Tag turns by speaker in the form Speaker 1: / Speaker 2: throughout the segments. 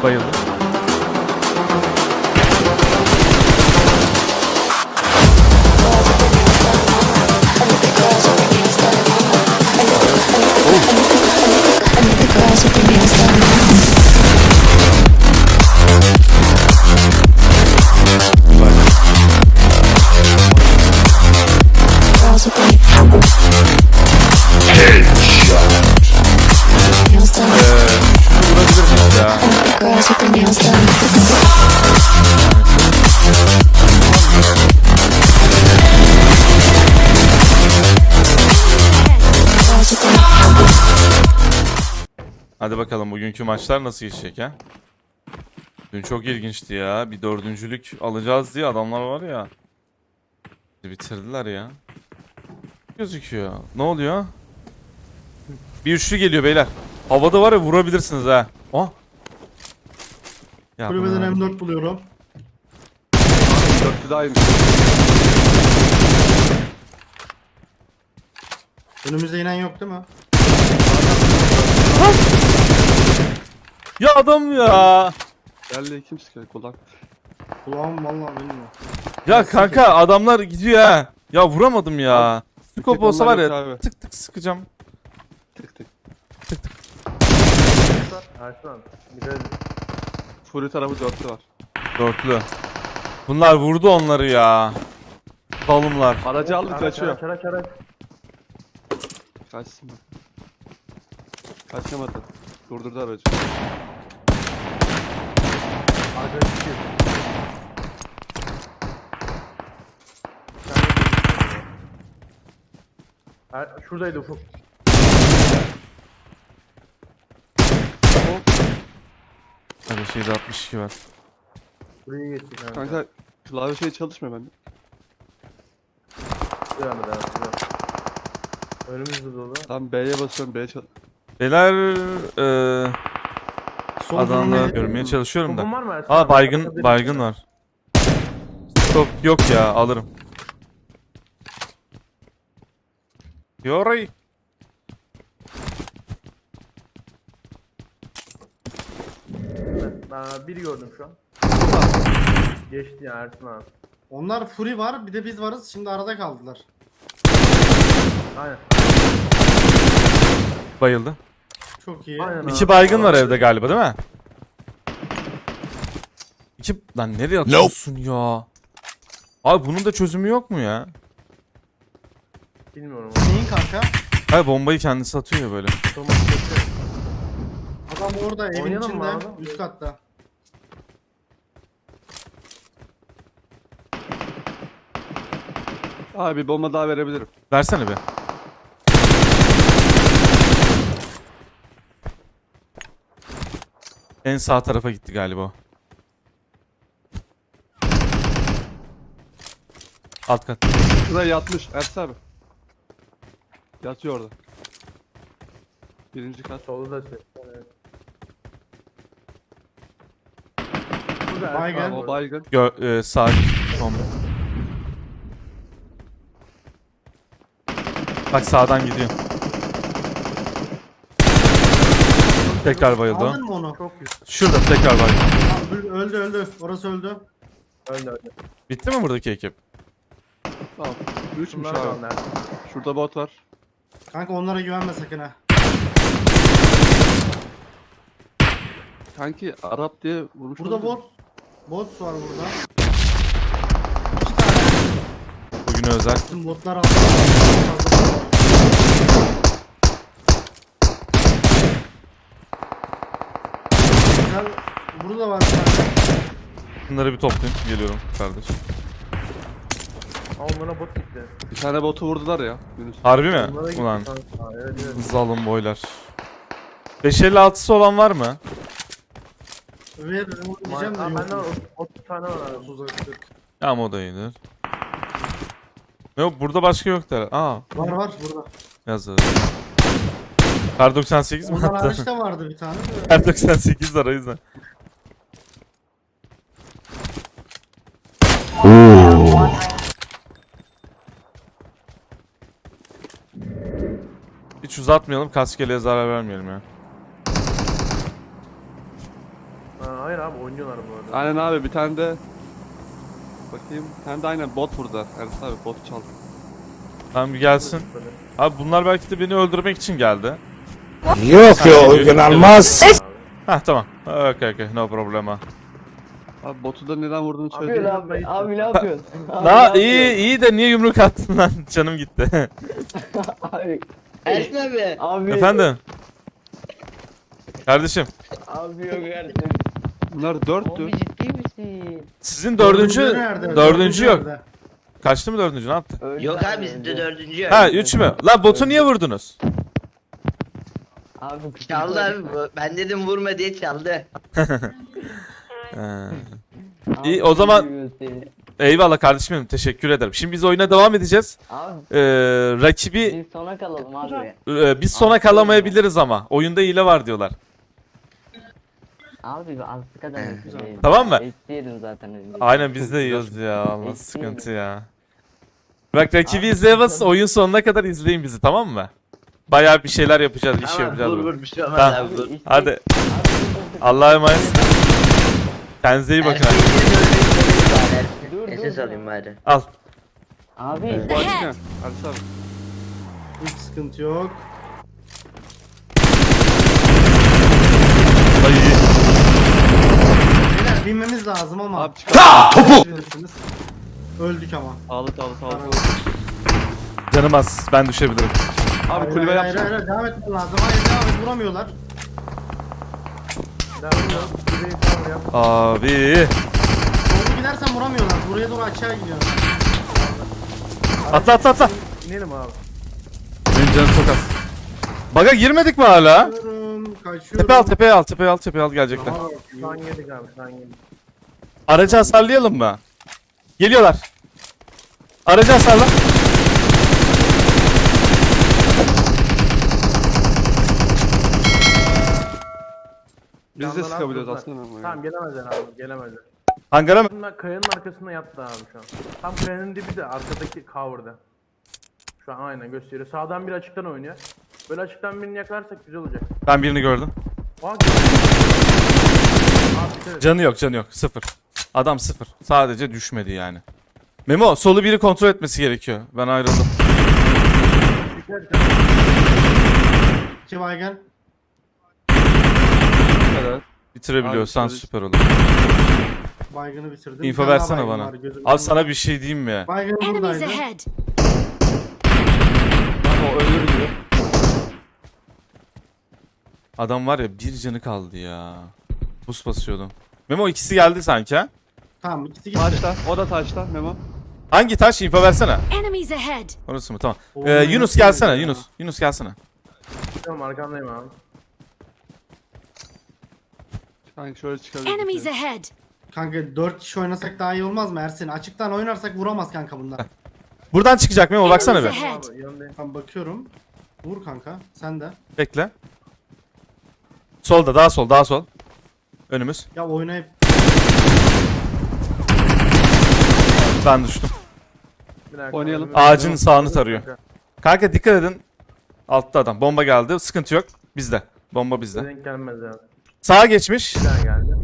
Speaker 1: Bayıldım. Hadi bakalım bugünkü maçlar nasıl geçecek ha? Dün çok ilginçti ya. Bir dördüncülük alacağız diye adamlar var ya. Bitirdiler ya. Gözüküyor. Ne oluyor? Bir üçlü geliyor beyler. Havada var ya, vurabilirsiniz ha. Oh. Ya
Speaker 2: Kulübeden M4 buluyorum.
Speaker 3: Dörtlü daha iyiymiş.
Speaker 2: Önümüzde inen yok değil mi?
Speaker 1: Ya adam ya.
Speaker 3: Geldi kim sıkıyor kulak.
Speaker 2: Kulağım vallahi bilmiyorum.
Speaker 1: Ya kanka adamlar gidiyor ha. Ya vuramadım ya. Skop olsa var
Speaker 3: Onlar
Speaker 1: ya,
Speaker 3: yok abi.
Speaker 1: tık tık sıkacağım.
Speaker 3: Tık tık.
Speaker 4: Arslan bir de
Speaker 3: Fury tarafı dörtlü var.
Speaker 1: Dörtlü. Bunlar vurdu onları ya. Dalımlar.
Speaker 3: Aracı aldı kaçıyor.
Speaker 4: Araç.
Speaker 3: Kaçsın bak. Kaçamadı. Durdurdu aracı.
Speaker 4: Arkadaş çıkıyor. Şuradaydı Ufuk.
Speaker 1: Hadi şeyde 62 var.
Speaker 4: Buraya geçtik kanka.
Speaker 3: Kanka klavye şey çalışmıyor bende.
Speaker 4: Devam edelim. Önümüzde dolu.
Speaker 3: Tam B'ye basıyorum B'ye
Speaker 1: Beyler
Speaker 2: Sol
Speaker 1: adamları
Speaker 2: durmayı-
Speaker 1: görmeye çalışıyorum
Speaker 4: Topun
Speaker 1: da.
Speaker 4: var mı Ersan?
Speaker 1: Aa baygın var. Stop yok ya, alırım. Yoray.
Speaker 4: Ben biri gördüm şu an. Geçti ya Ersan abi.
Speaker 2: Onlar Fury var, bir de biz varız. Şimdi arada kaldılar.
Speaker 4: Aynen.
Speaker 1: Bayıldı.
Speaker 2: Çok iyi.
Speaker 4: Aynen.
Speaker 1: İki baygın var evde galiba değil mi? İki... Lan nereye atıyorsun ya? Abi bunun da çözümü yok mu ya?
Speaker 4: Bilmiyorum.
Speaker 2: Neyin kanka?
Speaker 1: Hayır, bombayı kendisi atıyor ya böyle.
Speaker 4: Otomatik geçiyor.
Speaker 2: Adam orada evin
Speaker 4: Oynayalım mı
Speaker 2: içinde,
Speaker 4: abi?
Speaker 2: üst katta.
Speaker 3: Abi bir bomba daha verebilirim.
Speaker 1: Versene bir. En sağ tarafa gitti galiba o. Alt kat.
Speaker 3: Şuraya yatmış Ersin abi. Yatıyor orada. Birinci kat.
Speaker 4: Solu da ses. Evet. Burada Ersan
Speaker 2: Baygın.
Speaker 4: abi
Speaker 3: O
Speaker 4: var.
Speaker 3: baygın.
Speaker 1: Sağ bomba. Bak sağdan gidiyor. Tekrar bayıldı o.
Speaker 2: Aldın mı onu?
Speaker 4: Çok güzel.
Speaker 1: Şurada tekrar bayıldı.
Speaker 2: Tamam, öldü. Orası öldü.
Speaker 4: Öldü.
Speaker 1: Bitti mi buradaki ekip?
Speaker 3: Tamam. Üçmüş
Speaker 4: Bunlar
Speaker 3: abi.
Speaker 4: kaldı Ersan.
Speaker 3: Şurada bot var.
Speaker 2: Kanka onlara güvenme sakın ha.
Speaker 3: Kanki Arap diye vurmuş.
Speaker 2: Burada
Speaker 3: olabilir.
Speaker 2: bot. Bot var burada.
Speaker 1: Bugün özel.
Speaker 2: Bütün botlar aldı. Güzel. Burada var bir tane.
Speaker 1: Bunları bir toplayayım. Geliyorum kardeş.
Speaker 4: Ama bana bot gitti.
Speaker 3: Bir tane botu vurdular ya. Yunus.
Speaker 1: Harbi mi?
Speaker 4: Bunlara gitti
Speaker 1: Ulan
Speaker 4: kanka. Evet.
Speaker 1: zalim boylar. 556'sı olan var mı?
Speaker 2: Veririm diyeceğim de
Speaker 4: Aa,
Speaker 2: yok.
Speaker 4: bende var 30 tane var abi.
Speaker 2: 30'a 40.
Speaker 1: Ya ama o da iyidir. Yok burada başka yok der. Aa
Speaker 2: Var burada.
Speaker 1: yazdı. Kar 98 mi
Speaker 2: Ondan
Speaker 1: attı?
Speaker 2: hariçte vardı bir tane de.
Speaker 1: Kar 98 var o yüzden. Hiç uzatmayalım, kaskeliğe zarar vermeyelim ya.
Speaker 4: Hayır abi oynuyorlar bu arada.
Speaker 3: Aynen abi bir tane de bakayım. Bir tane de aynen bot vurdu. Ersin abi bot çaldı.
Speaker 1: Tamam bir gelsin. Abi bunlar belki de beni öldürmek için geldi.
Speaker 5: Yok ya inanılmaz.
Speaker 1: Hah tamam. Okay, no problema.
Speaker 3: Abi botu da neden vurduğunu
Speaker 4: Abi,
Speaker 3: söyledi.
Speaker 6: Abi ne yapıyorsun? Abi,
Speaker 1: La
Speaker 6: ne
Speaker 1: iyi de niye yumruk attın lan? Canım gitti.
Speaker 6: Abi.
Speaker 7: Ersin abi.
Speaker 6: Abi.
Speaker 1: Efendim? Kardeşim,
Speaker 6: Abi yok artık.
Speaker 3: Bunlar
Speaker 7: Abi
Speaker 3: dörttü.
Speaker 7: ciddi misin?
Speaker 1: sizin dördüncü
Speaker 2: nerede?
Speaker 1: dördüncü yok.
Speaker 2: nerede?
Speaker 1: Kaçtı mı dördüncü? Ne yaptı?
Speaker 6: Öldü
Speaker 7: Yok abi
Speaker 6: öldü.
Speaker 7: bizde dördüncü.
Speaker 1: Ha 3 mü? La botu niye vurdunuz?
Speaker 6: Abi
Speaker 7: Çaldı abi bu. Ben dedim vurma diye çaldı.
Speaker 1: Ha.
Speaker 6: Abi,
Speaker 1: İyi, o zaman-
Speaker 6: seviyoruz seni.
Speaker 1: Eyvallah kardeşim benim, teşekkür ederim. Şimdi biz oyuna devam edeceğiz.
Speaker 6: Abi
Speaker 1: Rakibi
Speaker 6: biz sona kalalım abi.
Speaker 1: biz sona kalamayabiliriz ama oyunda hile var diyorlar.
Speaker 6: Abi az kadar değil.
Speaker 1: Tamam mı?
Speaker 6: Eksiyelim zaten önce.
Speaker 1: Aynen biz de yiyoruz ya. Allah
Speaker 6: Eksiğim.
Speaker 1: sıkıntı ya. Bak rakibi izleyemez, oyun sonuna kadar izleyin bizi, tamam mı? Bayağı bir şeyler yapacağız, iş yapacağız.
Speaker 7: vur
Speaker 1: burada.
Speaker 7: vur bir şey olmaz
Speaker 1: Tamam.
Speaker 7: abi vur.
Speaker 1: Hadi
Speaker 6: Abi,
Speaker 1: Allah'a emanet. Kendinize iyi bakın.
Speaker 7: Ersin
Speaker 6: Dur,
Speaker 7: yine
Speaker 6: dur,
Speaker 7: SS
Speaker 6: dur.
Speaker 7: alayım bari.
Speaker 1: Al.
Speaker 6: Abi
Speaker 3: Bu açık ne? Ersin abi.
Speaker 2: Hiç sıkıntı yok.
Speaker 1: Ay.
Speaker 2: Beyler binmemiz lazım ama.
Speaker 3: Abi çıkar.
Speaker 2: Bilirsiniz. Öldük ama.
Speaker 3: Sağlı.
Speaker 1: Canım az, ben düşebilirim.
Speaker 3: Abi kulübe
Speaker 2: hayır,
Speaker 3: yapacağım.
Speaker 2: hayır, devam etmen lazım. Hayır devam et, vuramıyorlar.
Speaker 4: Devam ediyor. Kuzeyi tamam yap.
Speaker 1: Abi.
Speaker 2: Doğru gidersen vuramıyorlar. Buraya doğru aşağı gidiyorlar.
Speaker 1: Atla.
Speaker 4: İnelim abi.
Speaker 1: Benim canım çok az. Baga girmedik mi hala?
Speaker 2: Kaçıyorum.
Speaker 1: Tepeye al gelecekler.
Speaker 2: Aha,
Speaker 4: Şu an yedik abi şu an yedik.
Speaker 1: Aracı hasarlayalım mı? Geliyorlar. Aracı hasarla.
Speaker 3: Biz de
Speaker 4: Yandan
Speaker 3: sıkabiliyoruz
Speaker 4: atladılar.
Speaker 3: aslında.
Speaker 4: Tamam gelemezler abi gelemezler.
Speaker 1: Hangara mı?
Speaker 4: Bunlar kayanın arkasında yattı abi şu an. Tam kayanın dibi de arkadaki cover'da. Şu an aynen gösteriyor. Sağdan biri açıktan oynuyor. Böyle açıktan birini yakalarsak güzel olacak.
Speaker 1: Ben birini gördüm.
Speaker 4: Abi dikkat et.
Speaker 1: Canı yok. Sıfır. Adam sıfır. Sadece düşmedi yani. Memo solu biri kontrol etmesi gerekiyor. Ben ayrıldım.
Speaker 4: Dikkat et.
Speaker 2: 2 baygın.
Speaker 3: Evet.
Speaker 1: Bitirebiliyorsan
Speaker 3: Abi,
Speaker 1: süper olur.
Speaker 2: Baygını bitirdim.
Speaker 1: İnfo
Speaker 2: Bir tane daha
Speaker 1: versene
Speaker 2: baygın
Speaker 1: bana.
Speaker 2: var, gözümün
Speaker 1: Abi
Speaker 2: önünde.
Speaker 1: sana bir şey diyeyim mi?
Speaker 2: Baygın
Speaker 8: Enemies
Speaker 2: buradaydı.
Speaker 8: ahead!
Speaker 3: Ama o ölür diyor.
Speaker 1: Adam var ya, bir canı kaldı ya. Buz basıyordum. Memo ikisi geldi sanki ha?
Speaker 2: Tamam ikisi gitti.
Speaker 3: Taşta. O da taşta Memo.
Speaker 1: Hangi taş? İnfo versene.
Speaker 8: Enemies ahead!
Speaker 1: Orası mı? Tamam.
Speaker 2: Oo,
Speaker 1: Yunus
Speaker 2: nasıl
Speaker 1: gelsene
Speaker 2: ya?
Speaker 1: Yunus. Yunus gelsene.
Speaker 4: Tamam arkandayım abi.
Speaker 3: Kanka şöyle çıkabiliriz.
Speaker 8: Enemies ahead!
Speaker 2: Kanka 4 kişi oynasak daha iyi olmaz mı Ersin? Açıktan oynarsak vuramaz kanka bunlar.
Speaker 1: Buradan çıkacak Memo, baksana
Speaker 8: Enemies
Speaker 1: bir.
Speaker 8: ahead!
Speaker 4: Abi yanındayım.
Speaker 2: Tamam bakıyorum. Vur kanka. Sen de.
Speaker 1: Bekle. Solda, daha sol. Önümüz.
Speaker 2: Ya oynayıp
Speaker 1: Ben düştüm.
Speaker 4: Bir dakika.
Speaker 3: Oynayalım.
Speaker 1: Ağacın sağını tarıyor. Kanka dikkat edin. Altta adam. Bomba geldi. Sıkıntı yok. Bizde. Bomba bizde.
Speaker 4: Denk gelmez abi.
Speaker 1: Sağa geçmiş.
Speaker 4: Bir daha geldi.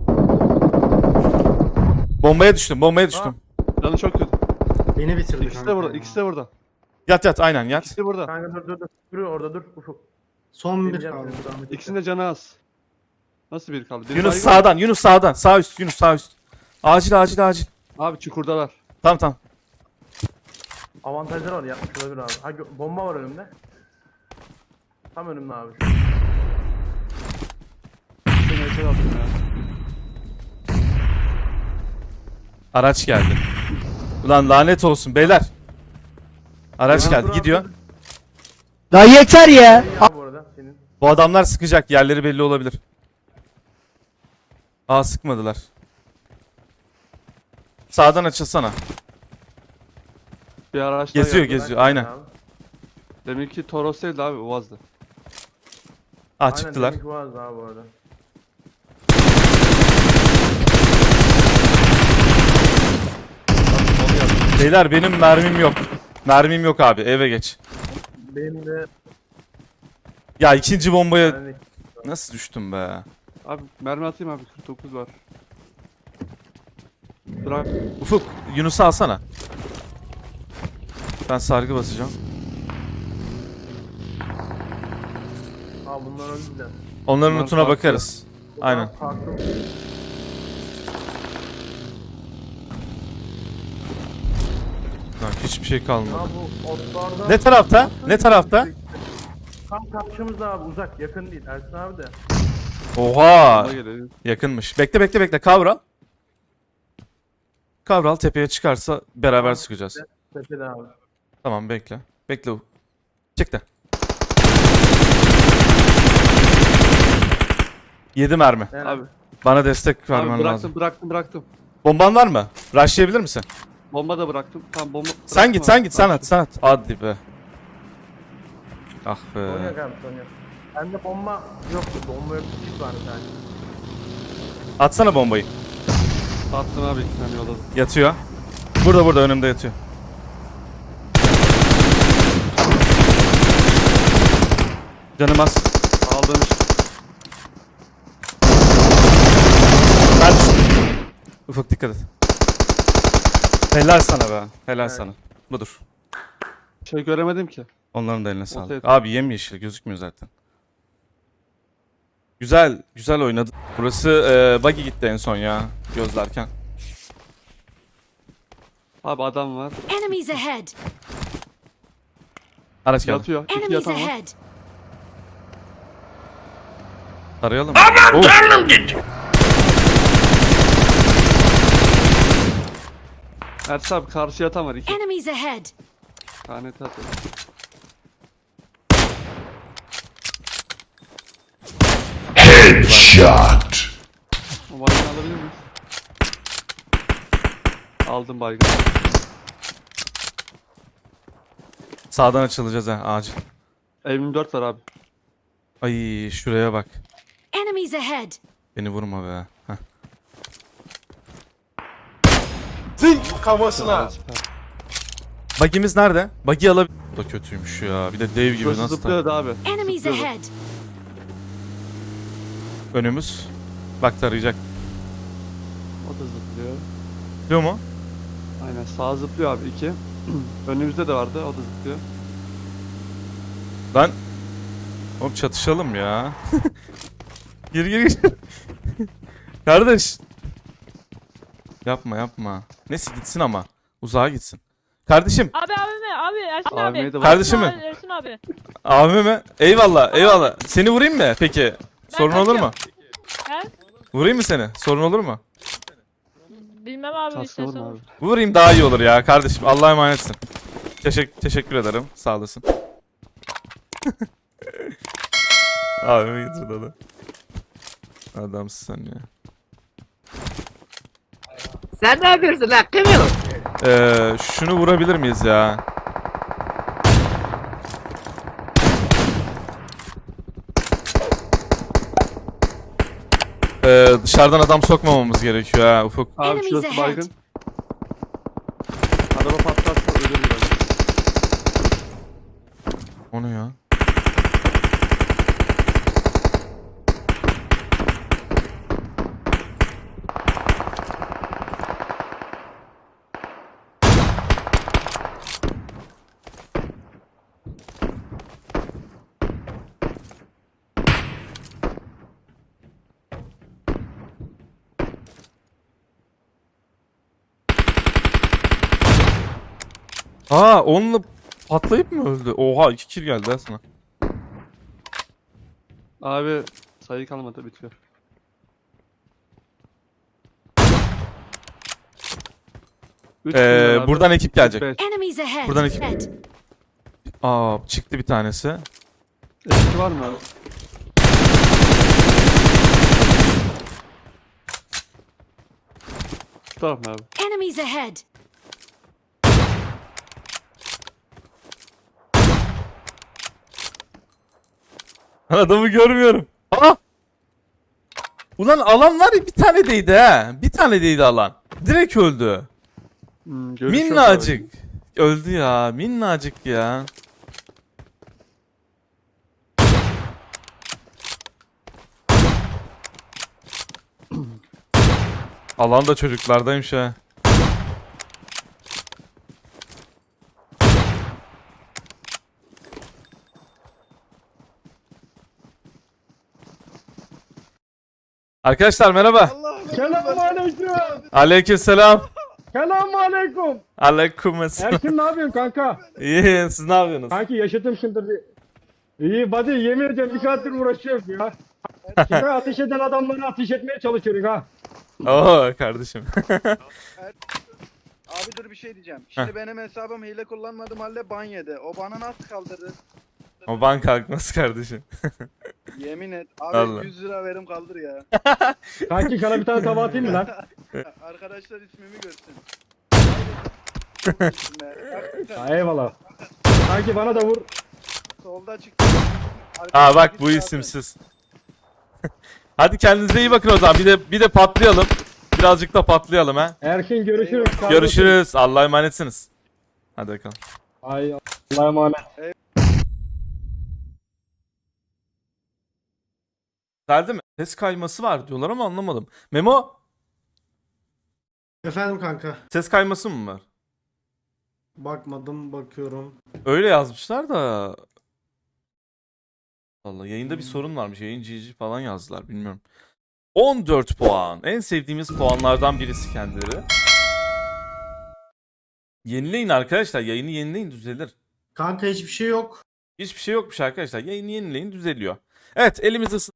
Speaker 1: Bombaya düştüm.
Speaker 3: Canı çok kötü.
Speaker 2: beni bitirdi
Speaker 3: İkisi
Speaker 2: kanka.
Speaker 3: de burada.
Speaker 2: ya.
Speaker 3: İkisi de burada.
Speaker 1: Yat aynen yat.
Speaker 3: İkisi de burada.
Speaker 4: Kanka dur. Dur orada dur. Ufuk.
Speaker 2: Son bir
Speaker 4: Geleceğim
Speaker 2: kaldı.
Speaker 4: seni, zahmet
Speaker 3: İkisinin de canı az. Nasıl biri kaldı? Biri
Speaker 1: Yunus
Speaker 3: baygın.
Speaker 1: sağdan. Sağ üst Yunus, sağ üst. Acil.
Speaker 3: Abi çukurdalar.
Speaker 1: Tamam.
Speaker 4: Avantajları var yapmış olabilir abi. Ha, bomba var önümde. Tam önümde abi.
Speaker 3: Seni içeri attım ya.
Speaker 1: Araç geldi. Ulan lanet olsun beyler. Araç geldi,
Speaker 4: Dur,
Speaker 1: gidiyor.
Speaker 4: dur.
Speaker 5: La yeter ya.
Speaker 4: İyi abi bu arada senin.
Speaker 1: Bu adamlar sıkacak, yerleri belli olabilir. Aa, sıkmadılar. Sağdan açılsana.
Speaker 3: Bir araç daha
Speaker 1: Geziyor,
Speaker 3: geldi.
Speaker 1: geziyor. Aynen.
Speaker 4: Abi.
Speaker 3: Deminki Toros değildi abi, Uaz'dı.
Speaker 1: Aa,
Speaker 4: Aynen,
Speaker 1: çıktılar.
Speaker 4: deminki vardı abi bu arada.
Speaker 3: Onu yaptı.
Speaker 1: Beyler benim mermim yok. Mermim yok abi, eve geç.
Speaker 4: Benim de
Speaker 1: Ya ikinci bombaya
Speaker 4: yani
Speaker 1: nasıl düştüm be?
Speaker 3: Abi mermi atayım abi 49 var. Bırak.
Speaker 1: Ufuk Yunus'u alsana. Ben sargı basacağım.
Speaker 4: Aa bunlar öldüler.
Speaker 1: Onların
Speaker 3: Bunlar
Speaker 1: lootuna
Speaker 3: farklı.
Speaker 1: bakarız.
Speaker 4: Bu
Speaker 1: Aynen.
Speaker 4: daha farklı.
Speaker 1: Lan hiçbir şey kalmadı.
Speaker 4: Ya bu otlarda...
Speaker 1: Ne tarafta? Ne tarafta?
Speaker 4: Tam karşımızda abi uzak yakın değil Ersin abi de.
Speaker 1: Oha!
Speaker 3: Bana gelelim.
Speaker 1: Yakınmış. Bekle. Kavral. Kavral tepeye çıkarsa beraber sıkacağız.
Speaker 4: Tepede abi.
Speaker 1: Tamam bekle. Bekle. Çık da. 7 mermi.
Speaker 4: Yani
Speaker 3: Abi,
Speaker 1: Bana destek
Speaker 3: abi
Speaker 1: vermen
Speaker 3: bıraktım
Speaker 1: lazım.
Speaker 3: bıraktım.
Speaker 1: Bomban var mı? Rushlayabilir misin?
Speaker 3: Bomba da bıraktım. Tamam bomba.
Speaker 1: Sen git,
Speaker 3: bıraktım
Speaker 1: sen
Speaker 3: abi.
Speaker 1: at. Hadi be. Ah
Speaker 4: Sonya
Speaker 1: be.
Speaker 4: abi Sonya. Bende bomba yoktu. Bomba yoktu. Çift var bir tane.
Speaker 1: Atsana bombayı.
Speaker 3: Attım abi 2 tane yolladım.
Speaker 1: Yatıyor. Burada önümde yatıyor. Canım az.
Speaker 3: Aldım.
Speaker 1: Ben düştüm. Ufuk dikkat et. Helal sana be. Helal
Speaker 4: Evet.
Speaker 1: sana. Budur.
Speaker 3: Şey göremedim ki.
Speaker 1: Onların da eline sağlık.
Speaker 3: evet.
Speaker 1: Abi yemyeşil gözükmüyor zaten. Güzel oynadı. Burası buggy gitti en son ya gözlerken.
Speaker 3: Abi adam var.
Speaker 8: Enemies ahead!
Speaker 1: Araç geldi.
Speaker 3: Yatıyor. 2
Speaker 8: Enemies
Speaker 3: yatan var.
Speaker 8: ahead!
Speaker 1: Tarayalım mı? Oh!
Speaker 3: Ersin abi karşı yatan var 2
Speaker 8: Enemies ahead!
Speaker 3: tane tatlı.
Speaker 5: Shot.
Speaker 3: O baygını alabilir miyiz? Aldım baygını.
Speaker 1: Sağdan açılacağız ha acil.
Speaker 3: M24 var abi.
Speaker 1: Ay şuraya bak.
Speaker 8: Enemies ahead!
Speaker 1: Beni vurma be. Heh.
Speaker 3: Kafasına.
Speaker 1: Buggy'miz nerede? Buggy alabilir. Bu da kötüymüş ya. Bir de dev gibi
Speaker 3: Burası
Speaker 1: nasıl
Speaker 3: zıplıyordu abi.
Speaker 8: Enemies
Speaker 3: Zıplıyordu.
Speaker 8: ahead!
Speaker 1: Önümüz. Bak tarayacak.
Speaker 3: O da zıplıyor.
Speaker 1: Biliyor mu?
Speaker 3: Aynen sağ zıplıyor abi 2. Önümüzde de vardı o da zıplıyor.
Speaker 1: Lan. Oğlum çatışalım ya. Gir. Kardeş. Yapma. Neyse gitsin ama. Uzağa gitsin. Kardeşim.
Speaker 9: Abi Ersin
Speaker 3: AVM'ye
Speaker 9: abi.
Speaker 3: de var.
Speaker 1: Kardeşim mi?
Speaker 9: Ersin abi.
Speaker 1: Abime mi? Eyvallah. Seni vurayım mı peki? Sorun olur mu?
Speaker 9: He?
Speaker 1: Vurayım mı seni? Sorun olur mu?
Speaker 9: Bilmem abi
Speaker 3: Kaskı
Speaker 9: istersen.
Speaker 3: vurma abi.
Speaker 1: Vurayım daha iyi olur ya kardeşim. Allah'a emanetsin. Teşekkür ederim. Sağ olasın. Abime getirdi adam. Adamsın sen ya.
Speaker 7: Sen ne yapıyorsun lan? Kim o?
Speaker 1: Şunu vurabilir miyiz ya? Dışarıdan adam sokmamamız gerekiyor ha Ufuk.
Speaker 3: Abi
Speaker 8: Enemies
Speaker 3: şurası
Speaker 8: ahead.
Speaker 3: baygın. Araba patlarsa ölür biraz.
Speaker 1: O ne ya? Onunla patlayıp mı öldü? Oha 2 kill geldi ha sana.
Speaker 3: Abi sayı kalmadı bitiyor. Üç milyon abi.
Speaker 1: Buradan ekip gelecek.
Speaker 3: Beş.
Speaker 8: Enemies ahead!
Speaker 1: Buradan iki-
Speaker 8: Ahead.
Speaker 1: Çıktı bir tanesi.
Speaker 3: Eski var mı abi? Şu taraf mı abi?
Speaker 8: Enemies ahead!
Speaker 1: Adamı görmüyorum. Ulan alan var ya bir tane değdi ha. Bir tane değdi alan. Direkt öldü.
Speaker 3: Görüş yok
Speaker 1: Minnacık. Öldü ya. Minnacık ya. Alan da çocuklardaymış ha. Arkadaşlar merhaba.
Speaker 5: Selamünaleyküm.
Speaker 1: Aleykümselam.
Speaker 5: Selamünaleyküm.
Speaker 1: Aleykümselam.
Speaker 5: Erkin ne yapıyorsun kanka?
Speaker 1: İyi, siz ne yapıyorsunuz?
Speaker 5: Kanki yaşadım şimdi bir. İyi buddy yemin ediyorum bir saattir uğraşıyorum ya. Şimdi ateş eden adamları ateş etmeye çalışıyoruz ha.
Speaker 1: Oo kardeşim.
Speaker 10: Abi dur bir şey diyeceğim. Şimdi benim hesabım hile kullanmadım halde ban yedi. O bana nasıl kaldırdı?
Speaker 1: O ban kalkması kardeşim.
Speaker 10: Yemin et. Abi
Speaker 1: Vallahi.
Speaker 10: 100 lira verim kaldır ya.
Speaker 5: Kanki sana bir tane tava atayım mı lan?
Speaker 10: Arkadaşlar ismimi görsün.
Speaker 5: Ha, eyvallah. Kanki bana da vur.
Speaker 10: Solda çıktı.
Speaker 1: Aa bak bu isimsiz. Hadi kendinize iyi bakın o zaman. Bir de patlayalım. Birazcık da patlayalım ha.
Speaker 5: Erkin görüşürüz.
Speaker 1: Görüşürüz. Allah'a emanetsiniz. Hadi bakalım.
Speaker 5: Ay Allah'a emanet.
Speaker 1: Geldi mi? Ses kayması var diyorlar ama anlamadım. Memo,
Speaker 2: Efendim kanka.
Speaker 1: ses kayması mı var?
Speaker 2: Bakmadım, bakıyorum.
Speaker 1: Öyle yazmışlar da. Vallahi yayında bir sorun varmış. Yayın GG falan yazdılar bilmiyorum. 14 puan. En sevdiğimiz puanlardan birisi kendileri. Yenileyin arkadaşlar. Yayını yenileyin düzelir.
Speaker 2: Kanka hiçbir şey yok.
Speaker 1: Hiçbir şey yokmuş arkadaşlar. Yayını yenileyin düzeliyor. Evet elimizi